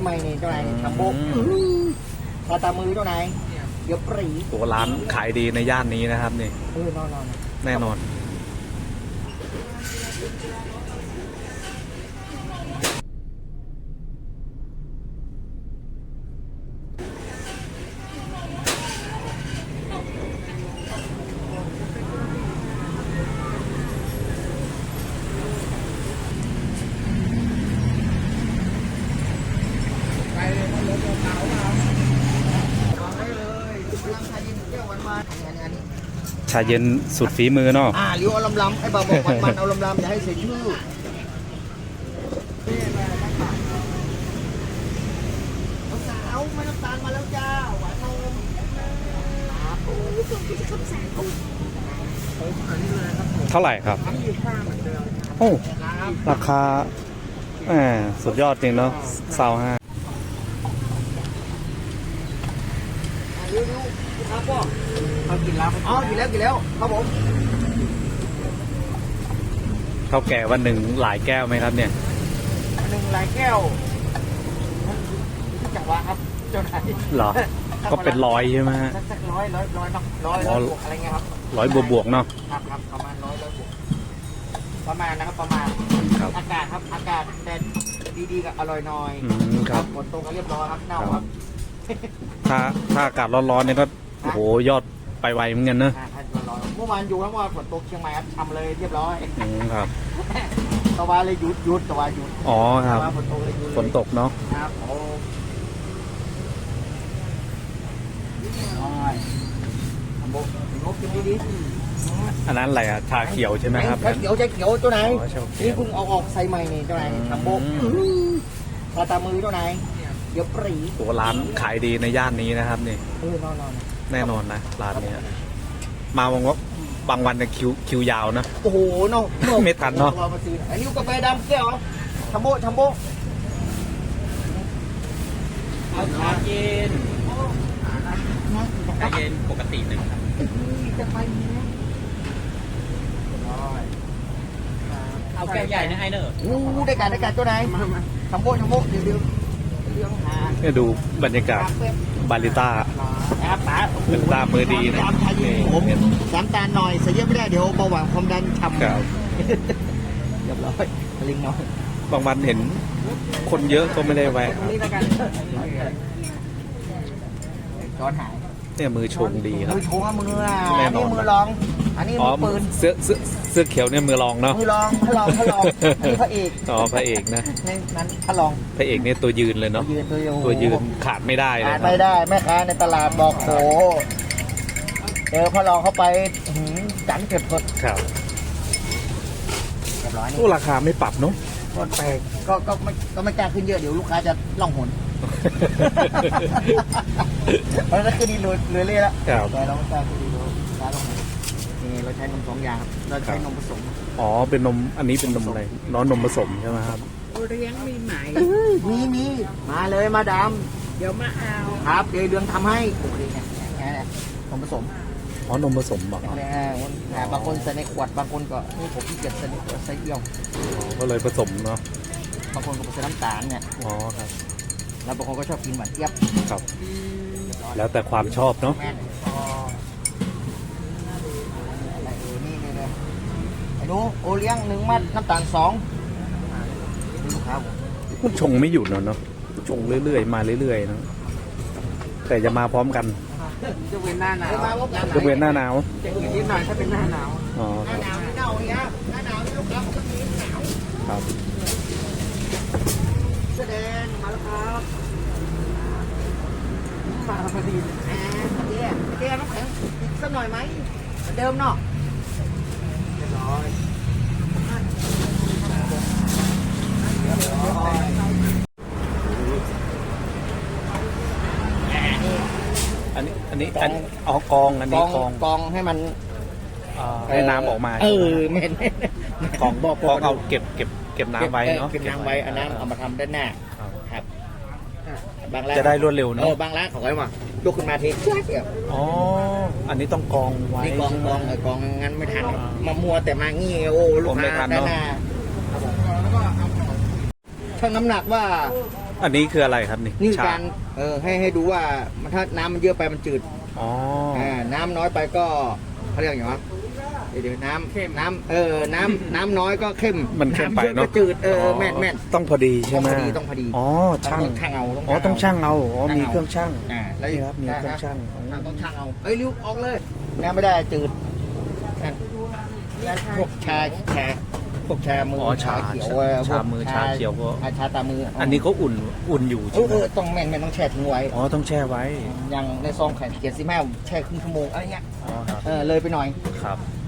ใหม่นี่เจ้านายทำโบกพอตามือเจ้านายเดี๋ยวปรีตัวร้านขายดีในย่านนี้นะครับนี่นอนแน่นอนไปเลยรถเก่ามาลองได้เลยร่างชาเย็นแก้วหวานๆอันนี้ชาเย็นสุดฝีมือเนาะเลี้ยวเอาลำๆไอ้บ่าวบอกมันเอาลำๆอย่าให้เสียชื่อสาวไม่น้ำตาลมาแล้วจ้าหวานนมโอ้ยส่งที่จะขับสายกูอันนี้เลยครับผมเท่าไหร่ครับ 25เหมือนเดิมโอ้ครับราคาสุดยอดจริงเนาะ25 เร็วๆครับพ่อเขากินแล้วอ๋อกินแล้วครับผมข้าวแก่วันหนึ่งหลายแก้วไหมครับเนี่ยหนึ่งลายแก้วที่จังหวะครับเจ้านายเหรอ ก็เป็นร้อยใช่ไหมฮะสักร้อยเนาะร้อยบวกอะไรเงี้ยครับร้อยบวกๆเนาะครับประมาณร้อยบวกประมาณนะครับประมาณครับอากาศครับอากาศแต่ดีๆกับอร่อยหน่อยครับฝนตกก็เรียบร้อยครับเน่าครับถ้าอากาศร้อนๆเนี่ยก็โอ้โหยอดไปไวเหมือนกันเนอะท่านร้อยเมื่อวานอยู่ทั้งวันฝนตกเชียงใหม่ครับทำเลยเรียบร้อยครับตะวันเลยหยุดตะวันหยุดอ๋อครับฝนตกเลยหยุดฝนตกเนาะครับโอ้ยทำโบกกินดีอันนั้นอะไรอะชาเขียวใช่ไหมครับใช้เขียวเจ้านายอ๋อชาเขียวนี่เพิ่งเอาออกใส่ใหม่นี่เจ้านายทำโบกพอตามือเจ้านายเดี๋ยวปรีตัวร้านขายดีในย่านนี้นะครับนี่นอนแน่นอนนะร้านเนี้ยมาบางวันเนี่ยคิวยาวนะโอ้โหเนาะไม่ทันเนาะมาซื้ออันนี้กาแฟดำแก้วทำโบเอาชาเย็นชาเย็นปกติหนึ่งครับจะไปนะเอาแก้วใหญ่นะไอเนอร์ได้การเจ้านายทำโบเดี๋ยวเรื่องหาเนี่ยดูบรรยากาศบาริต้าครับป๋าเป็นตามือดีนะผมน้ำตาลหน่อยใส่เยอะไม่ได้เดี๋ยวเบาหวานความดันทำครับเรียบร้อยลิงน้อยบางวันเห็นคนเยอะก็ไม่ได้แวะครับนี่แล้วกันช้อนหายเนี่ยมือชงดีครับมือโชว์มือแน่อันนอนี้นมือรอง อันนี้อ๋อมือปืนเสื้อเขียวเนี่ยมือรองเนาะมือรองพระรองอันนี้พระเอกอ๋อพระเอกนะในนั้นพระรองพระเอกเนี่ยตัวยืนเลยเนาะ ตัวยืนขาดไม่ได้เลยอ่านครับไม่ได้แม่ค้าในตลาดบอกโหเจอพระรองเข้าไปจังเก็บกดครับเรียบร้อยนี่โอ้ราคาไม่ปรับเนาะก็แปลกก็ไม่กล้าขึ้นเยอะเดี๋ยวลูกค้าจะล่องหน เพราะฉะนั้นคือดีเลยแล้วครับแต่เราไม่กล้าคือดีเลยร้านลงมานี่เราใช้นม2 อย่างครับเราใช้นมผสมอ๋อเป็นนมอันนี้เป็นนมอะไรน้อนนมผสมใช่ไหมครับเลี้ยงมีไหมมีมาเลยมาดามเดี๋ยวมาเอาครับเดี๋ยวเดือนทำให้โอ้โหเนี่ยนมผสมอ๋อนมผสมบอกบางคนใส่ในขวดบางคนก็นี่ผมขี้เกียจใส่ในขวดใส่เอี่ยวก็เลยผสมเนาะบางคนก็ใส่น้ำตาลเนี่ยอ๋อครับแล้วบางคนก็ชอบกินหวานเจี๊ยบครับ แล้วแต่ความชอบเนาะแม่นอะไรนี่เลยไอ้หนูโอเลี้ยง1 มัดน้ำตาล2ลูกค้าผมมันชงไม่หยุดเนาะชงเรื่อยๆมาเรื่อยๆเนอะแต่จะมาพร้อมกันจะเว้นหน้าหนาวยกเว้นหน้าหนาวจะอื่นนิดหน่อยถ้าเป็นหน้าหนาวอ๋อหคน้ารับหนาวนี่เน่าเนี่ยหน้าหนาวนี่ลูกค้าผมก็มีหนาวครับแสดงมาแล้วครับมาพอดีเจ๊น้ำแข็งอีกสักหน่อยไหมเหมือนเดิมเนาะเรียบร้อยอันนี้อ๋อกองอันนี้กองกองให้มันให้น้ำออกมาไม่เห็นกองเอาเก็บน้ำไว้เนาะเก็บน้ำไว้อันนั้นเอามาทำด้านหน้าครับครับบางร้านจะได้รวดเร็วเนาะบางร้านเขาไว้ว่ายกขึ้นมาทีเดียวอ๋ออันนี้ต้องกองไว้นี่กองใช่ไหมกองงั้นไม่ทันมามัวแต่มางี้โอ้ลูกผมไม่ทัค้าน ด้านเนอะหน้าชั่งน้ำหนักว่าอันนี้คืออะไรครับนี่นี่คือชาการให้ดูว่ามันถ้าน้ำมันเยอะไปมันจืดอ๋อน้ำน้อยไปก็เขาเรียกอย่างไรวะเดี๋ยวน้ำน้ำน้อยก็เข้มมันเข้มไปำยอะเนาะก็จืดแม่นต้องพอดีใช่ไหมต้องพอดีอ๋อช่างต้องช่างเอาอ๋อต้องช่างเอาอ๋อช่างเอามีมีเครื่องช่างแล้วนี่ครับมีเครื่องช่างต้องช่างเอาเอ้ยริ้วออกเลยน้ำไม่ได้จืดนั่นพวกชาพวกชามืออ๋อชาเขียวชามือชาเขียวก็ชาตามืออัอันนี้เขาอุ่นอยู่ใช่ไหมต้องแม่นต้องแช่ทิ้งไว้อ๋อต้องแช่ไว้อย่างในซองไข่เกียร์15แช่ครึ่งชั่วโมงอะไรเงี้ยอ๋อครับเลยไปหน่อยครับ